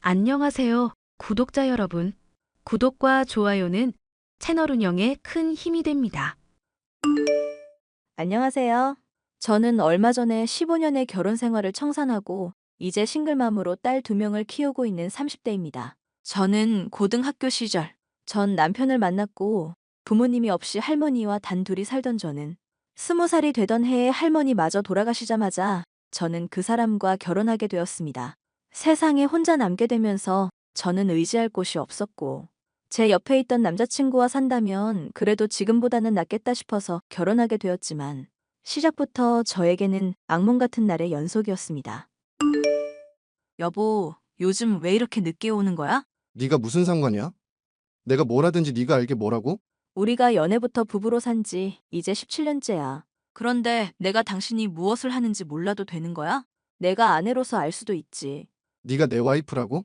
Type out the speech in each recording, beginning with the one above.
안녕하세요, 구독자 여러분. 구독과 좋아요는 채널 운영에 큰 힘이 됩니다. 안녕하세요. 저는 얼마 전에 15년의 결혼 생활을 청산하고 이제 싱글맘으로 딸 2명을 키우고 있는 30대입니다. 저는 고등학교 시절 전 남편을 만났고 부모님이 없이 할머니와 단둘이 살던 저는 20살이 되던 해에 할머니마저 돌아가시자마자 저는 그 사람과 결혼하게 되었습니다. 세상에 혼자 남게 되면서 저는 의지할 곳이 없었고 제 옆에 있던 남자친구와 산다면 그래도 지금보다는 낫겠다 싶어서 결혼하게 되었지만 시작부터 저에게는 악몽 같은 날의 연속이었습니다. 여보, 요즘 왜 이렇게 늦게 오는 거야? 네가 무슨 상관이야? 내가 뭘 하든지 네가 알게 뭐라고? 우리가 연애부터 부부로 산지 이제 17년째야. 그런데 내가 당신이 무엇을 하는지 몰라도 되는 거야? 내가 아내로서 알 수도 있지. 네가 내 와이프라고?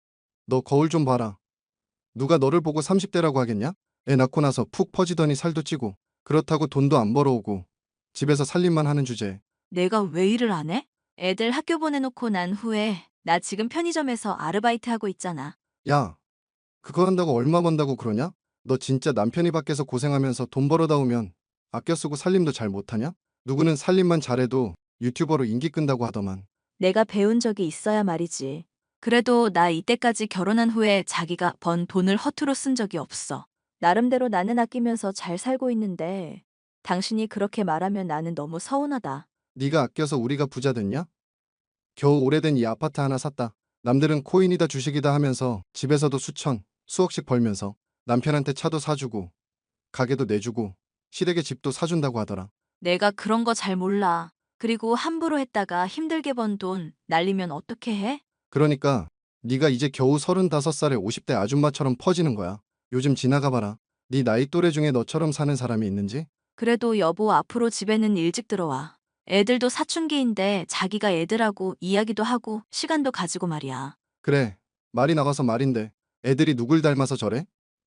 너 거울 좀 봐라. 누가 너를 보고 30대라고 하겠냐? 애 낳고 나서 푹 퍼지더니 살도 찌고 그렇다고 돈도 안 벌어오고 집에서 살림만 하는 주제에 내가 왜 일을 안 해? 애들 학교 보내놓고 난 후에 나 지금 편의점에서 아르바이트 하고 있잖아. 야, 그거 한다고 얼마 번다고 그러냐? 너 진짜 남편이 밖에서 고생하면서 돈 벌어다 오면 아껴 쓰고 살림도 잘 못하냐? 누구는 살림만 잘해도 유튜버로 인기 끈다고 하더만. 내가 배운 적이 있어야 말이지. 그래도 나 이때까지 결혼한 후에 자기가 번 돈을 허투루 쓴 적이 없어. 나름대로 나는 아끼면서 잘 살고 있는데 당신이 그렇게 말하면 나는 너무 서운하다. 네가 아껴서 우리가 부자 됐냐? 겨우 오래된 이 아파트 하나 샀다. 남들은 코인이다 주식이다 하면서 집에서도 수천, 수억씩 벌면서 남편한테 차도 사주고 가게도 내주고 시댁에 집도 사준다고 하더라. 내가 그런 거 잘 몰라. 그리고 함부로 했다가 힘들게 번 돈 날리면 어떻게 해? 그러니까 네가 이제 겨우 35살의 50대 아줌마처럼 퍼지는 거야. 요즘 지나가 봐라. 네 나이 또래 중에 너처럼 사는 사람이 있는지? 그래도 여보 앞으로 집에는 일찍 들어와. 애들도 사춘기인데 자기가 애들하고 이야기도 하고 시간도 가지고 말이야. 그래, 말이 나가서 말인데 애들이 누굴 닮아서 저래?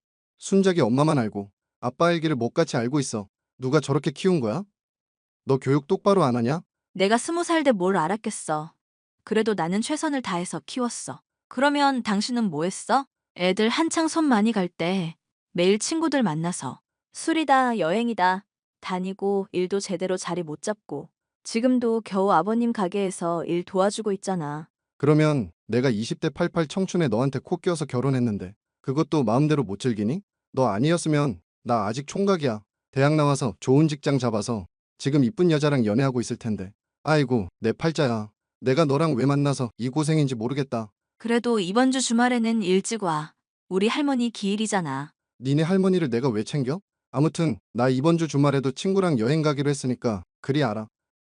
순작이 엄마만 알고 아빠 일기를 못같이 알고 있어. 누가 저렇게 키운 거야? 너 교육 똑바로 안 하냐? 내가 20살 때 뭘 알았겠어. 그래도 나는 최선을 다해서 키웠어. 그러면 당신은 뭐 했어? 애들 한창 손 많이 갈 때 매일 친구들 만나서 술이다, 여행이다 다니고 일도 제대로 자리 못 잡고 지금도 겨우 아버님 가게에서 일 도와주고 있잖아. 그러면 내가 20대 88 청춘에 너한테 코 껴서 결혼했는데 그것도 마음대로 못 즐기니? 너 아니었으면 나 아직 총각이야. 대학 나와서 좋은 직장 잡아서 지금 이쁜 여자랑 연애하고 있을 텐데. 아이고, 내 팔자야. 내가 너랑 왜 만나서 이 고생인지 모르겠다. 그래도 이번 주 주말에는 일찍 와. 우리 할머니 기일이잖아. 니네 할머니를 내가 왜 챙겨? 아무튼 나 이번 주 주말에도 친구랑 여행 가기로 했으니까 그리 알아.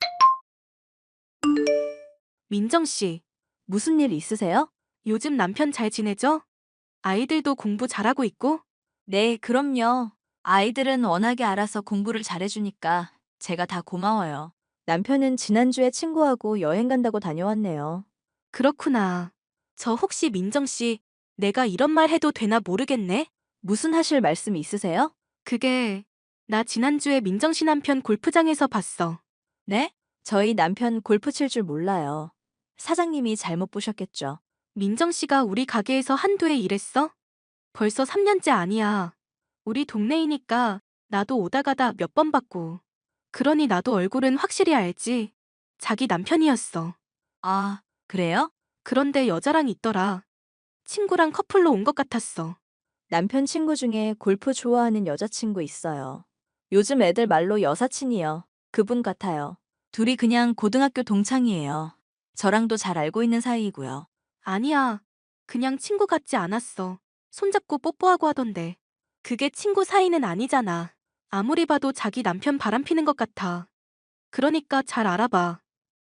민정 씨, 무슨 일 있으세요? 요즘 남편 잘 지내죠? 아이들도 공부 잘하고 있고? 네, 그럼요. 아이들은 워낙에 알아서 공부를 잘해주니까 제가 다 고마워요. 남편은 지난주에 친구하고 여행 간다고 다녀왔네요. 그렇구나. 저 혹시 민정 씨, 내가 이런 말 해도 되나 모르겠네? 무슨 하실 말씀 있으세요? 그게, 나 지난주에 민정 씨 남편 골프장에서 봤어. 네? 저희 남편 골프 칠 줄 몰라요. 사장님이 잘못 보셨겠죠. 민정 씨가 우리 가게에서 한두 해 일했어? 벌써 3년째 아니야. 우리 동네이니까 나도 오다 가다 몇 번 봤고. 그러니 나도 얼굴은 확실히 알지. 자기 남편이었어. 아, 그래요? 그런데 여자랑 있더라. 친구랑 커플로 온 것 같았어. 남편 친구 중에 골프 좋아하는 여자친구 있어요. 요즘 애들 말로 여사친이요. 그분 같아요. 둘이 그냥 고등학교 동창이에요. 저랑도 잘 알고 있는 사이이고요. 아니야. 그냥 친구 같지 않았어. 손잡고 뽀뽀하고 하던데. 그게 친구 사이는 아니잖아. 아무리 봐도 자기 남편 바람피는 것 같아. 그러니까 잘 알아봐.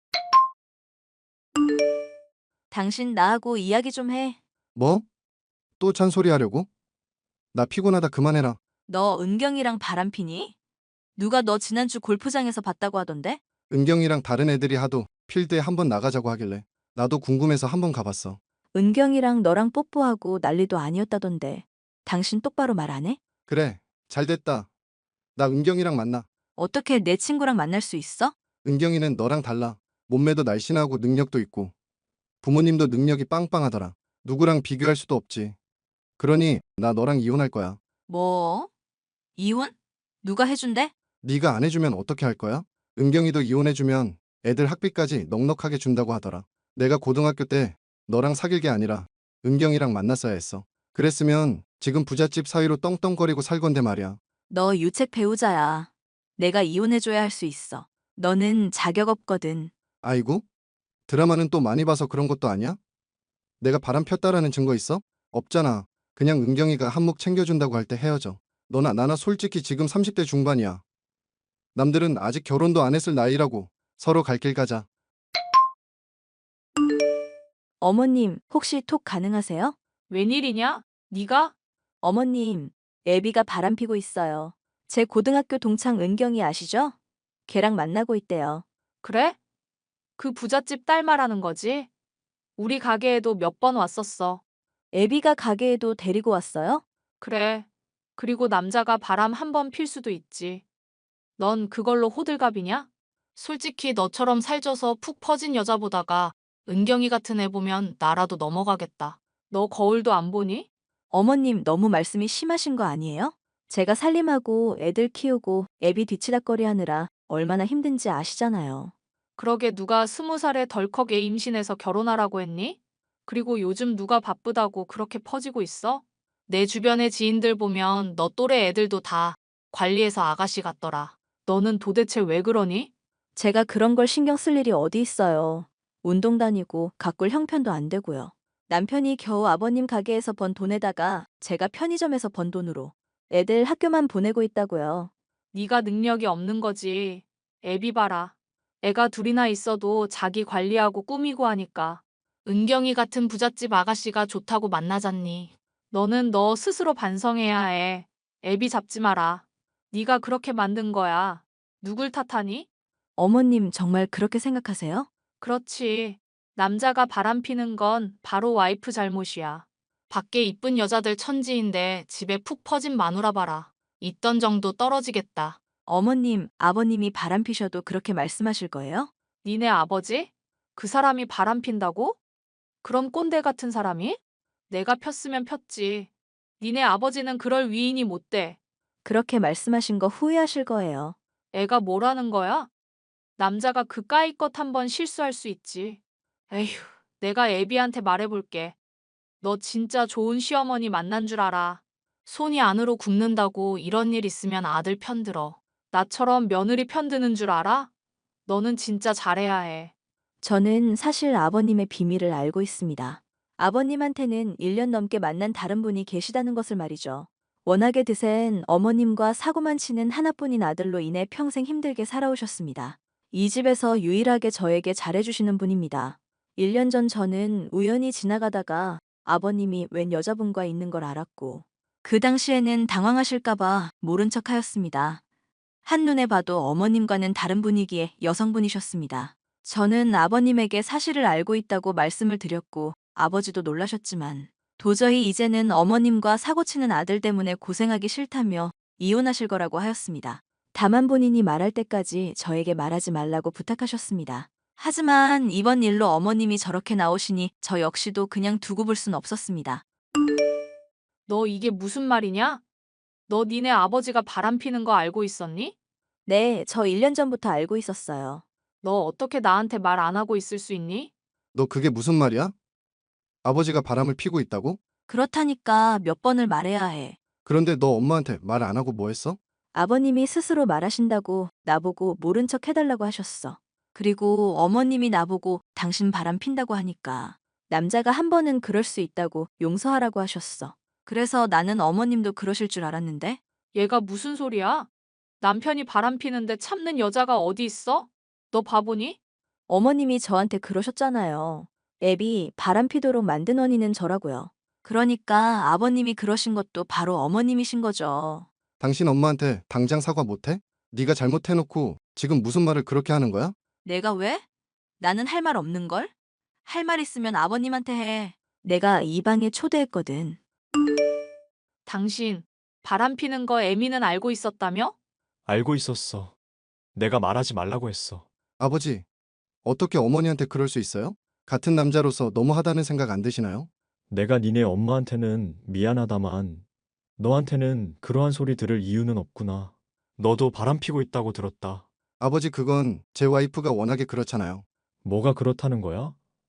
당신 나하고 이야기 좀 해. 뭐? 또 잔소리 하려고? 나 피곤하다 그만해라. 너 은경이랑 바람피니? 누가 너 지난주 골프장에서 봤다고 하던데? 은경이랑 다른 애들이 하도 필드에 한번 나가자고 하길래 나도 궁금해서 한번 가봤어. 은경이랑 너랑 뽀뽀하고 난리도 아니었다던데. 당신 똑바로 말 안 해? 그래, 잘 됐다. 나 은경이랑 만나. 어떻게 내 친구랑 만날 수 있어? 은경이는 너랑 달라. 몸매도 날씬하고 능력도 있고 부모님도 능력이 빵빵하더라. 누구랑 비교할 수도 없지. 그러니 나 너랑 이혼할 거야. 뭐? 이혼? 누가 해준대? 네가 안 해주면 어떻게 할 거야? 은경이도 이혼해주면 애들 학비까지 넉넉하게 준다고 하더라. 내가 고등학교 때 너랑 사귈 게 아니라 은경이랑 만났어야 했어. 그랬으면 지금 부잣집 사위로 떵떵거리고 살 건데 말이야. 너 유책 배우자야. 내가 이혼해줘야 할 수 있어. 너는 자격 없거든. 아이고? 드라마는 또 많이 봐서 그런 것도 아니야? 내가 바람 폈다라는 증거 있어? 없잖아. 그냥 은경이가 한몫 챙겨준다고 할 때 헤어져. 너나 나나 솔직히 지금 30대 중반이야. 남들은 아직 결혼도 안 했을 나이라고. 서로 갈 길 가자. 어머님, 혹시 톡 가능하세요? 웬일이냐? 네가? 어머님, 애비가 바람피고 있어요. 제 고등학교 동창 은경이 아시죠? 걔랑 만나고 있대요. 그래? 그 부잣집 딸 말하는 거지? 우리 가게에도 몇 번 왔었어. 애비가 가게에도 데리고 왔어요? 그래. 그리고 남자가 바람 한 번 필 수도 있지. 넌 그걸로 호들갑이냐? 솔직히 너처럼 살쪄서 푹 퍼진 여자 보다가 은경이 같은 애 보면 나라도 넘어가겠다. 너 거울도 안 보니? 어머님, 너무 말씀이 심하신 거 아니에요? 제가 살림하고 애들 키우고 애비 뒤치다꺼리 하느라 얼마나 힘든지 아시잖아요. 그러게 누가 20살에 덜컥 애 임신해서 결혼하라고 했니? 그리고 요즘 누가 바쁘다고 그렇게 퍼지고 있어? 내 주변의 지인들 보면 너 또래 애들도 다 관리해서 아가씨 같더라. 너는 도대체 왜 그러니? 제가 그런 걸 신경 쓸 일이 어디 있어요. 운동 다니고 가꿀 형편도 안 되고요. 남편이 겨우 아버님 가게에서 번 돈에다가 제가 편의점에서 번 돈으로 애들 학교만 보내고 있다고요. 네가 능력이 없는 거지. 애비 봐라. 애가 둘이나 있어도 자기 관리하고 꾸미고 하니까. 은경이 같은 부잣집 아가씨가 좋다고 만나잖니. 너는 너 스스로 반성해야 해. 애비 잡지 마라. 네가 그렇게 만든 거야. 누굴 탓하니? 어머님 정말 그렇게 생각하세요? 그렇지. 남자가 바람피는 건 바로 와이프 잘못이야. 밖에 이쁜 여자들 천지인데 집에 푹 퍼진 마누라 봐라. 있던 정도 떨어지겠다. 어머님, 아버님이 바람 피셔도 그렇게 말씀하실 거예요? 니네 아버지? 그 사람이 바람핀다고? 그런 꼰대 같은 사람이? 내가 폈으면 폈지. 니네 아버지는 그럴 위인이 못 돼. 그렇게 말씀하신 거 후회하실 거예요. 애가 뭐라는 거야? 남자가 그까이껏 한번 실수할 수 있지. 에휴, 내가 애비한테 말해볼게. 너 진짜 좋은 시어머니 만난 줄 알아. 손이 안으로 굽는다고 이런 일 있으면 아들 편들어. 나처럼 며느리 편드는 줄 알아? 너는 진짜 잘해야 해. 저는 사실 아버님의 비밀을 알고 있습니다. 아버님한테는 1년 넘게 만난 다른 분이 계시다는 것을 말이죠. 워낙에 드센 어머님과 사고만 치는 하나뿐인 아들로 인해 평생 힘들게 살아오셨습니다. 이 집에서 유일하게 저에게 잘해주시는 분입니다. 1년 전 저는 우연히 지나가다가 아버님이 웬 여자분과 있는 걸 알았고, 그 당시에는 당황하실까봐 모른 척 하였습니다. 한눈에 봐도 어머님과는 다른 분이기에 여성분이셨습니다. 저는 아버님에게 사실을 알고 있다고 말씀을 드렸고 아버지도 놀라셨지만 도저히 이제는 어머님과 사고치는 아들 때문에 고생하기 싫다며 이혼하실 거라고 하였습니다. 다만 본인이 말할 때까지 저에게 말하지 말라고 부탁하셨습니다. 하지만 이번 일로 어머님이 저렇게 나오시니 저 역시도 그냥 두고 볼 순 없었습니다. 너 이게 무슨 말이냐? 너 니네 아버지가 바람피는 거 알고 있었니? 네, 저 1년 전부터 알고 있었어요. 너 어떻게 나한테 말 안 하고 있을 수 있니? 너 그게 무슨 말이야? 아버지가 바람을 피고 있다고? 그렇다니까 몇 번을 말해야 해. 그런데 너 엄마한테 말 안 하고 뭐 했어? 아버님이 스스로 말하신다고 나보고 모른 척 해달라고 하셨어. 그리고 어머님이 나보고 당신 바람 핀다고 하니까 남자가 한 번은 그럴 수 있다고 용서하라고 하셨어. 그래서 나는 어머님도 그러실 줄 알았는데 얘가 무슨 소리야? 남편이 바람피는데 참는 여자가 어디 있어? 너 바보니? 어머님이 저한테 그러셨잖아요. 애비 바람 피도록 만든 원인은 저라고요. 그러니까 아버님이 그러신 것도 바로 어머님이신 거죠. 당신 엄마한테 당장 사과 못해? 네가 잘못해놓고 지금 무슨 말을 그렇게 하는 거야? 내가 왜? 나는 할 말 없는걸? 할 말 있으면 아버님한테 해. 내가 이 방에 초대했거든. 당신, 바람피는 거 애미는 알고 있었다며? 알고 있었어. 내가 말하지 말라고 했어. 아버지, 어떻게 어머니한테 그럴 수 있어요? 같은 남자로서 너무하다는 생각 안 드시나요? 내가 니네 엄마한테는 미안하다만 너한테는 그러한 소리 들을 이유는 없구나. 너도 바람피고 있다고 들었다. 아버지, 그건 제 와이프가 워낙에 그렇잖아요. 뭐가 그렇다는 거야?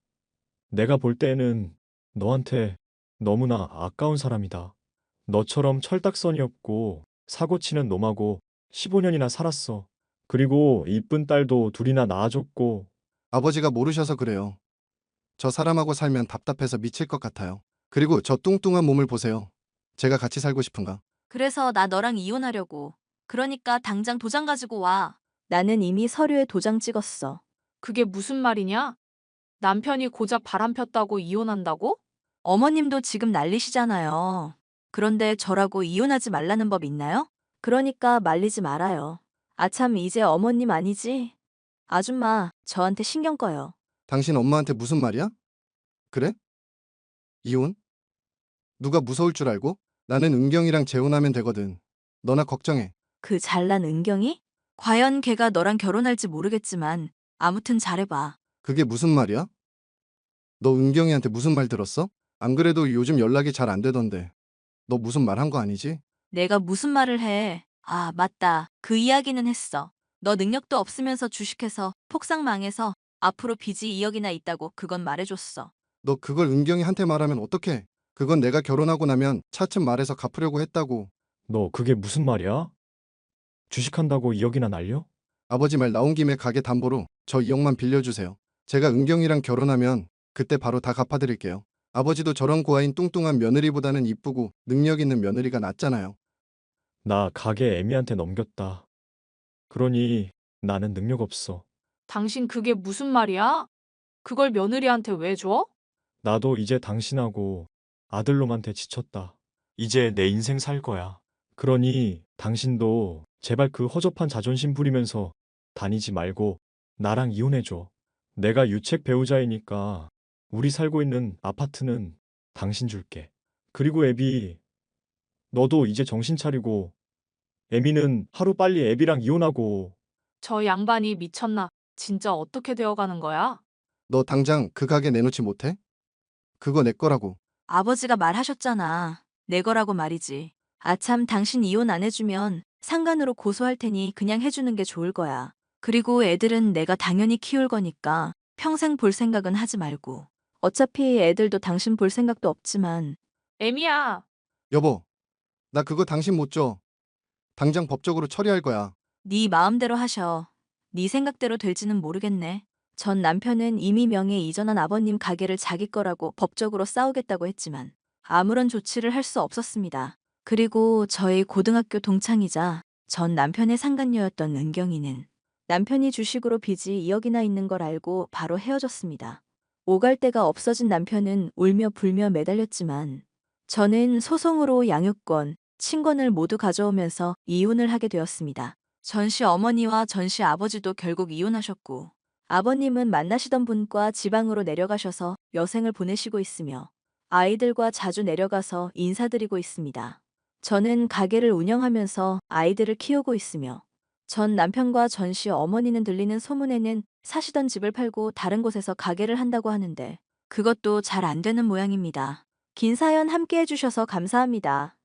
내가 볼 때에는 너한테 너무나 아까운 사람이다. 너처럼 철딱선이 없고 사고치는 놈하고 15년이나 살았어. 그리고 이쁜 딸도 둘이나 낳아줬고. 아버지가 모르셔서 그래요. 저 사람하고 살면 답답해서 미칠 것 같아요. 그리고 저 뚱뚱한 몸을 보세요. 제가 같이 살고 싶은가? 그래서 나 너랑 이혼하려고. 그러니까 당장 도장 가지고 와. 나는 이미 서류에 도장 찍었어. 그게 무슨 말이냐? 남편이 고작 바람 폈다고 이혼한다고? 어머님도 지금 난리시잖아요. 그런데 저라고 이혼하지 말라는 법 있나요? 그러니까 말리지 말아요. 아참, 이제 어머님 아니지? 아줌마, 저한테 신경 꺼요. 당신 엄마한테 무슨 말이야? 그래? 이혼? 누가 무서울 줄 알고? 나는 은경이랑 재혼하면 되거든. 너나 걱정해. 그 잘난 은경이? 과연 걔가 너랑 결혼할지 모르겠지만 아무튼 잘해봐. 그게 무슨 말이야? 너 은경이한테 무슨 말 들었어? 안 그래도 요즘 연락이 잘 안 되던데. 너 무슨 말 한 거 아니지? 내가 무슨 말을 해. 아, 맞다. 그 이야기는 했어. 너 능력도 없으면서 주식해서 폭삭 망해서 앞으로 빚이 2억이나 있다고 그건 말해줬어. 너 그걸 은경이한테 말하면 어떡해? 그건 내가 결혼하고 나면 차츰 말해서 갚으려고 했다고. 너 그게 무슨 말이야? 주식한다고 2억이나 날려? 아버지 말 나온 김에 가게 담보로 저 2억만 빌려주세요. 제가 은경이랑 결혼하면 그때 바로 다 갚아드릴게요. 아버지도 저런 고아인 뚱뚱한 며느리보다는 이쁘고 능력 있는 며느리가 낫잖아요. 나 가게 애미한테 넘겼다. 그러니 나는 능력 없어. 당신 그게 무슨 말이야? 그걸 며느리한테 왜 줘? 나도 이제 당신하고 아들놈한테 지쳤다. 이제 내 인생 살 거야. 그러니 당신도 제발 그 허접한 자존심 부리면서 다니지 말고 나랑 이혼해줘. 내가 유책 배우자이니까 우리 살고 있는 아파트는 당신 줄게. 그리고 애비, 너도 이제 정신 차리고 애미는 하루빨리 애비랑 이혼하고. 저 양반이 미쳤나? 진짜 어떻게 되어가는 거야? 너 당장 그 가게 내놓지 못해? 그거 내 거라고. 아버지가 말하셨잖아. 내 거라고 말이지. 아참, 당신 이혼 안 해주면 상간으로 고소할 테니 그냥 해주는 게 좋을 거야. 그리고 애들은 내가 당연히 키울 거니까 평생 볼 생각은 하지 말고. 어차피 애들도 당신 볼 생각도 없지만. 애미야, 여보, 나 그거 당신 못 줘. 당장 법적으로 처리할 거야. 네 마음대로 하셔. 네 생각대로 될지는 모르겠네. 전 남편은 이미 명예 이전한 아버님 가게를 자기 거라고 법적으로 싸우겠다고 했지만 아무런 조치를 할 수 없었습니다. 그리고 저희 고등학교 동창이자 전 남편의 상간녀였던 은경이는 남편이 주식으로 빚이 2억이나 있는 걸 알고 바로 헤어졌습니다. 오갈 데가 없어진 남편은 울며 불며 매달렸지만 저는 소송으로 양육권, 친권을 모두 가져오면서 이혼을 하게 되었습니다. 전씨 어머니와 전씨 아버지도 결국 이혼하셨고 아버님은 만나시던 분과 지방으로 내려가셔서 여생을 보내시고 있으며 아이들과 자주 내려가서 인사드리고 있습니다. 저는 가게를 운영하면서 아이들을 키우고 있으며 전 남편과 전씨 어머니는 들리는 소문에는 사시던 집을 팔고 다른 곳에서 가게를 한다고 하는데 그것도 잘 안 되는 모양입니다. 긴 사연 함께 해주셔서 감사합니다.